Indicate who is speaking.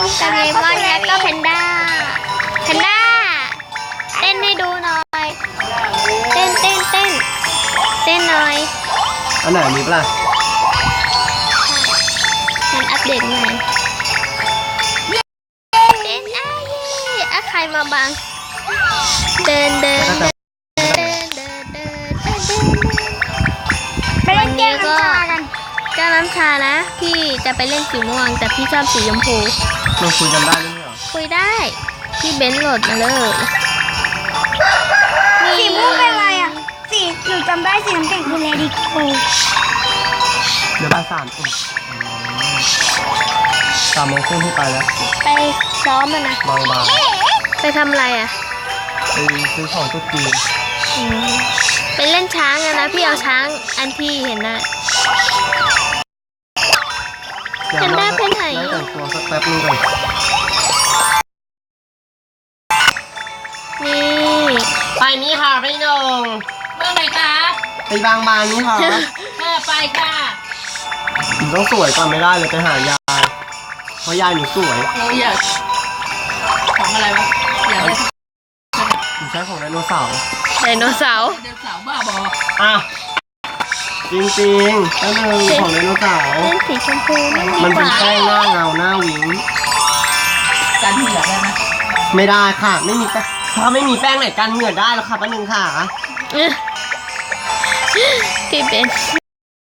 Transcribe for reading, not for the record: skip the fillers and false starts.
Speaker 1: โดเรมอนแล้วก็แพนด้าเต้นให้ดูหน่อยเต้นหน่อย
Speaker 2: อันไหนมีปะล่ะ
Speaker 1: มันอัปเดตใหม่เต้นใครมาบังเดิน
Speaker 3: ไปเล่นเกมน้ำชากัน
Speaker 1: เจ้าน้ำชานะพี่จะไปเล่นสีม่วงแต่พี่ชอบสีชมพู
Speaker 2: เราคุยกันได้หรือเปล่า
Speaker 1: คุยได้พี่เบนซ์โหลดมาเลย
Speaker 3: สีม่วงเป็นอะไรอ่ะสีหนูจำได้สีน้ำแข็งคือเลดี้โก
Speaker 2: เดี๋ยวบ่าย3ทุ่ม3 โมงครึ่งที่ไปแล้ว
Speaker 1: ไปซ้อมมันนะ
Speaker 2: บาง
Speaker 1: ไปทำอะไรอ่ะ
Speaker 2: ไปซื้อของตุ๊กจีน
Speaker 1: ไปเล่นช้างอะนะพี่เอาช้างอันที่เห็นนะ
Speaker 2: เดี๋ยว
Speaker 1: แพนด้าไปไหน
Speaker 2: แล้วแต่งตัวสักแป๊บนึงก่อน
Speaker 1: นี่
Speaker 2: ไปนี่ค่ะพี่นง
Speaker 4: เมื่อไหร่ครับ
Speaker 2: ไปบางนี่ค่ะ
Speaker 4: ไปค่ะ
Speaker 2: หนูต้องสวยก่อนไม่ได้เลยไปหายาย เพราะยายหนูสวย
Speaker 4: เราอยากของอะไรวะอยากได้
Speaker 2: หนูใช้ของไดโนเสาร์
Speaker 1: ไดโนเสาร์
Speaker 4: เดินสาวบ้าบอ
Speaker 2: อ่ะจริงๆนั่นเลยของไดโนเสาร์
Speaker 1: เล่นสีชมพูไม่ดี
Speaker 2: มัน
Speaker 1: ก
Speaker 2: เป็น
Speaker 1: ว่า
Speaker 2: แป้งหน้าเงาหน้าวิง
Speaker 4: การที่อยากได้ไหม
Speaker 2: ไม่ได้ค่ะ ไม่มีแป้งถ้าไม่มีแป้งไหนกันเหงื่อได้แล้วค่ะป้าหนึ่งค่ะ
Speaker 1: พี่เบนซ์